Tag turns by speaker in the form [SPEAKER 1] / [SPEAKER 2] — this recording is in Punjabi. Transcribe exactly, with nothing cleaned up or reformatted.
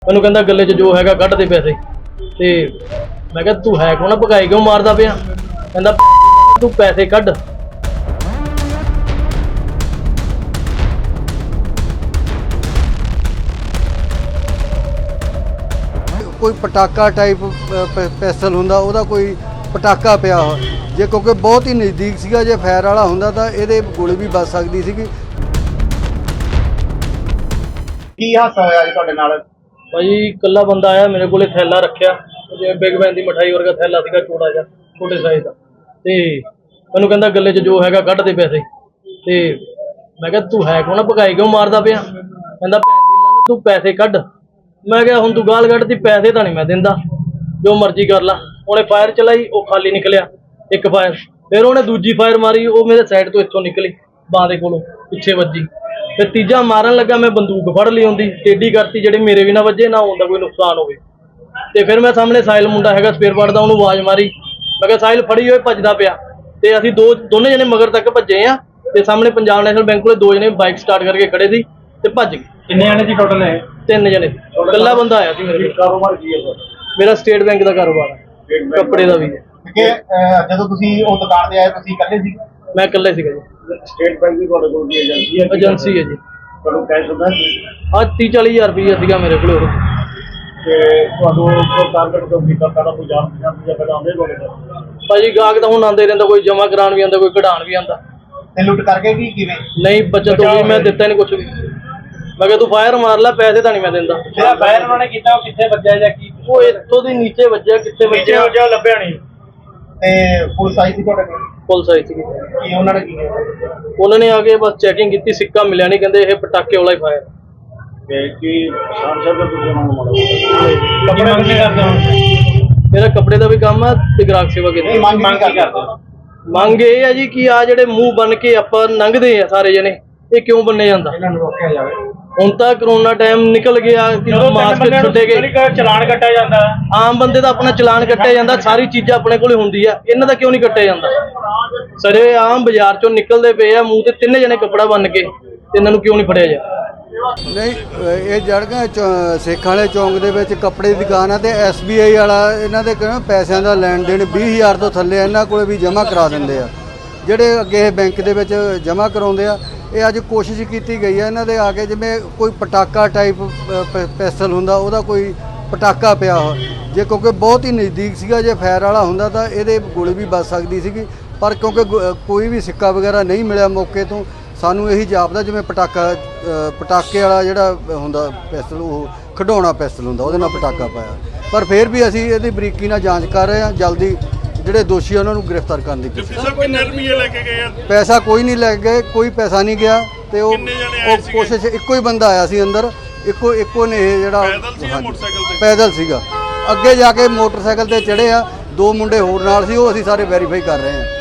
[SPEAKER 1] ਮੈਨੂੰ ਕਹਿੰਦਾ ਗੱਲੇ 'ਚ ਜੋ ਹੈਗਾ ਕੱਢ ਦੇ ਪੈਸੇ ਤੇ ਮੈਂ ਕਿਹਾ ਤੂੰ ਹੈ ਕੌਣ, ਭਗਾਈ ਕਿਉਂ ਮਾਰਦਾ ਪਿਆ? ਕਹਿੰਦਾ ਤੂੰ ਪੈਸੇ ਕੱਢ।
[SPEAKER 2] कोई पटाका टाइप पैसल हुंदा ओहदा कोई पटाका पिया हो जे क्योंकि बहुत ही नज़दीक सीगा जे फायर वाला हुंदा तां इहदे गोली भी बच सकदी सीगी।
[SPEAKER 3] की हादसा होया जी तुहाडे नाल?
[SPEAKER 1] भाई कल्ला बंदा आया मेरे को थैला रखिया जिवें बिग बैन दी मिठाई वर्गा थैला सीगा छोटा जिहा छोटे साइज दा ते मैनूं कहंदा गले 'च जो हैगा कढ दे पैसे ते मैं कहा तू है कौन, भगाई क्यों मारदा पिया? कहंदा भैन दी लन्नत तू पैसे कढ। मैं क्या हुण तू गाल कढदी, पैसे तां नहीं मैं दिंदा, जो मर्जी कर ला। उन्हें फायर चलाई, वो खाली निकलिया एक फायर, फिर उन्हें दूजी फायर मारी, वो मेरे साइड तो इत्थों निकली बांह दे कोलों पिछे वजी। फिर तीजा मारन लगा, मैं बंदूक फड़ ली होंदी टेढ़ी करती जेह्ड़े मेरे भी ना वजे ना उनका कोई नुकसान होवे। ते फिर मैं सामने साहिल मुंडा हैगा स्पेयर पार्ट दा, उहनूं आवाज़ मारी, मैं कहा साहिल फड़ी होए भजदा पिया। ते असीं दो दोने जने मगर तक भज्जे आ ते सामने पंजाब नैशनल बैंक कोले दो जने बाइक स्टार्ट करके खड़े सी ते भज गए।
[SPEAKER 3] किन्ने जने जी टोटल है?
[SPEAKER 1] तीन जने, कल्ला बंदा आया सी मेरे।
[SPEAKER 3] कारोबार की है?
[SPEAKER 1] मेरा स्टेट बैंक का कारोबार है, कपड़े का भी है।
[SPEAKER 3] कि ਜਦੋਂ ਤੁਸੀਂ ਉਹ ਦੁਕਾਨ ਤੇ ਆਏ ਤੁਸੀਂ ਇਕੱਲੇ ਸੀ?
[SPEAKER 1] मैं कल्ले सीगा जी।
[SPEAKER 3] ਸਟੇਟ ਬੈਂਕ ਦੀ ਤੁਹਾਡੇ ਕੋਲ ਦੀ ਏਜੰਸੀ ਹੈ?
[SPEAKER 1] एजेंसी है जी।
[SPEAKER 3] ਤੁਹਾਨੂੰ ਕੈਸ਼ ਹੁੰਦਾ ਸੀ?
[SPEAKER 1] आज तीह चाली हज़ार रुपया सीगा मेरे को।
[SPEAKER 3] ਤੇ ਤੁਹਾਨੂੰ ਕੋਈ ਟਾਰਗੇਟ ਤੋਂ ਕੀਤਾ ਤਾਂ ਕੋਈ ਜਾਣ ਪਛਾਣ ਜਾਂ ਪਹਿਲਾਂ ਆਉਂਦੇ ਤੁਹਾਡੇ ਕੋਲ?
[SPEAKER 1] भाजी गाहक तो हुण आंदे रहिंदा, कोई जमा कराउण भी आंदा, कोई कढाउण भी आंदा।
[SPEAKER 3] ਤੇ ਲੁੱਟ ਕਰਕੇ ਕੀ ਕਿਵੇਂ?
[SPEAKER 1] नहीं बचत हो गई, मैं दिता नहीं कुछ भी। मैं कहा तू फायर मार ला, पैसे तो नहीं मैं दिंदा।
[SPEAKER 3] ਜਿਹੜਾ ਫਾਇਰ ਉਹਨਾਂ ਨੇ ਕੀਤਾ ਉਹ ਕਿੱਥੇ ਵੱਜਿਆ ਜਾਂ ਕੀ?
[SPEAKER 1] वो इत्थों दी नीचे वज्जिया, कित्थे वज्जिया
[SPEAKER 3] ਜੋ ਲੱਭਿਆ ਨਹੀਂ। ਤੇ ਪੁਲਿਸ ਆਈ ਸੀ ਤੁਹਾਡੇ ਕੋਲ?
[SPEAKER 1] पुलिस आई थी।
[SPEAKER 3] ਕੀ ਉਹਨਾਂ ਨੇ ਕੀ ਕੀਤਾ?
[SPEAKER 1] उन्होंने आके बस चेकिंग की, सिक्का मिलिया नहीं, कहते ये पटाके वाला ही फायर।
[SPEAKER 3] ਤੇ ਕੀ ਸ਼ਾਮ ਸ਼ਾਮ ਦਾ ਤੁਸੀਂ ਉਹਨਾਂ ਨੂੰ ਮਾਰੋ? ਕੱਪੜੇ ਮੰਗ ਕਰਦੇ ਹੋ?
[SPEAKER 1] मेरा कपड़े का भी काम है ते ग्राहक सेवा की।
[SPEAKER 3] ਨਹੀਂ ਮੰਗ ਮੰਗ ਕੀ ਕਰਦੇ ਹੋ?
[SPEAKER 1] ਮੰਗ ਇਹ ਹੈ ਜੀ ਕਿ ਆ ਜਿਹੜੇ ਮੂੰਹ ਬਨ ਕੇ ਆਪਾਂ ਲੰਘਦੇ ਆ ਸਾਰੇ ਜਣੇ, ਇਹ ਕਿਉਂ ਬੰਨੇ ਜਾਂਦਾ?
[SPEAKER 3] ਇਹਨਾਂ ਨੂੰ ਰੋਕਿਆ ਜਾਵੇ।
[SPEAKER 1] ਹੁਣ ਤਾਂ ਕਰੋਨਾ ਟਾਈਮ ਨਿਕਲ ਗਿਆ, ਕਿ ਮਾਸਕ ਛੁੱਟੇ ਗਏ,
[SPEAKER 3] ਚਲਾਨ ਕੱਟਿਆ ਜਾਂਦਾ।
[SPEAKER 1] ਆਮ ਬੰਦੇ ਦਾ ਆਪਣਾ ਚਲਾਨ ਕੱਟਿਆ ਜਾਂਦਾ, ਸਾਰੀ ਚੀਜ਼ਾਂ ਆਪਣੇ ਕੋਲੇ ਹੁੰਦੀ ਆ, ਇਹਨਾਂ ਦਾ ਕਿਉਂ ਨਹੀਂ ਕੱਟਿਆ ਜਾਂਦਾ? ਸਾਰੇ ਆਮ ਬਾਜ਼ਾਰ ਚੋਂ ਨਿਕਲਦੇ ਪਏ ਆ ਮੂੰਹ ਤੇ ਤਿੰਨ ਜਣੇ ਕੱਪੜਾ ਬੰਨ ਕੇ, ਤੇ ਇਹਨਾਂ ਨੂੰ ਕਿਉਂ ਨਹੀਂ ਫੜਿਆ ਜਾ?
[SPEAKER 2] ਨਹੀਂ ਇਹ ਜੜਗਾ ਸੇਖਾਂ ਵਾਲੇ ਚੌਂਕ ਦੇ ਵਿੱਚ ਕੱਪੜੇ ਦੀ ਦੁਕਾਨ ਆ ਤੇ ਐਸ ਬੀ ਆਈ ਵਾਲਾ ਇਹਨਾਂ ਦੇ ਕਹਿੰਦਾ ਪੈਸਿਆਂ ਦਾ ਲੈਣ ਦੇਣ ਵੀਹ ਹਜ਼ਾਰ ਤੋਂ ਥੱਲੇ ਇਹਨਾਂ ਕੋਲੇ ਵੀ ਜਮ੍ਹਾਂ ਕਰਾ ਦਿੰਦੇ ਆ, ਜਿਹੜੇ ਅੱਗੇ ਇਹ ਬੈਂਕ ਦੇ ਵਿੱਚ ਜਮ੍ਹਾਂ ਕਰਾਉਂਦੇ ਆ। ਇਹ ਅੱਜ ਕੋਸ਼ਿਸ਼ ਕੀਤੀ ਗਈ ਹੈ ਇਹਨਾਂ ਦੇ ਆ ਕੇ, ਜਿਵੇਂ ਕੋਈ ਪਟਾਕਾ ਟਾਈਪ ਪੈਸਲ ਹੁੰਦਾ ਉਹਦਾ ਕੋਈ ਪਟਾਕਾ ਪਿਆ ਹੋ ਜੇ ਕਿਉਂਕਿ ਬਹੁਤ ਹੀ ਨਜ਼ਦੀਕ ਸੀਗਾ, ਜੇ ਫਾਇਰ ਵਾਲਾ ਹੁੰਦਾ ਤਾਂ ਇਹਦੇ ਗੋਲੀ ਵੀ ਬਚ ਸਕਦੀ ਸੀਗੀ, ਪਰ ਕਿਉਂਕਿ ਕੋਈ ਵੀ ਸਿੱਕਾ ਵਗੈਰਾ ਨਹੀਂ ਮਿਲਿਆ ਮੌਕੇ ਤੋਂ, ਸਾਨੂੰ ਇਹੀ ਜਾਪਦਾ ਜਿਵੇਂ ਪਟਾਕਾ ਪਟਾਕੇ ਵਾਲਾ ਜਿਹੜਾ ਹੁੰਦਾ ਪੈਸਲ, ਉਹ ਖਿਡੌਣਾ ਪੈਸਲ ਹੁੰਦਾ, ਉਹਦੇ ਨਾਲ ਪਟਾਕਾ ਪਾਇਆ। ਪਰ ਫਿਰ ਵੀ ਅਸੀਂ ਇਹਦੀ ਬਰੀਕੀ ਨਾਲ ਜਾਂਚ ਕਰ ਰਹੇ ਹਾਂ, ਜਲਦੀ ਜਿਹੜੇ ਦੋਸ਼ੀ ਉਹਨਾਂ ਨੂੰ ਗ੍ਰਿਫਤਾਰ ਕਰਨ ਦੀ ਕੋਸ਼ਿਸ਼। ਪੈਸਾ ਕੋਈ ਨਹੀਂ ਲੈ ਗਏ, ਕੋਈ ਪੈਸਾ ਨਹੀਂ ਗਿਆ, ਤੇ ਉਹ ਉਹ ਕੋਸ਼ਿਸ਼ ਇੱਕੋ ਹੀ ਬੰਦਾ ਆਇਆ ਸੀ ਅੰਦਰ, ਇੱਕੋ ਇੱਕੋ ਨੇ ਇਹ ਜਿਹੜਾ ਪੈਦਲ ਸੀਗਾ। ਅੱਗੇ ਜਾ ਕੇ ਮੋਟਰਸਾਈਕਲ ਤੇ ਚੜ੍ਹੇ ਆ, ਦੋ ਮੁੰਡੇ ਹੋਰ ਨਾਲ ਸੀ, ਉਹ ਅਸੀਂ ਸਾਰੇ ਵੈਰੀਫਾਈ ਕਰ ਰਹੇ ਹਾਂ।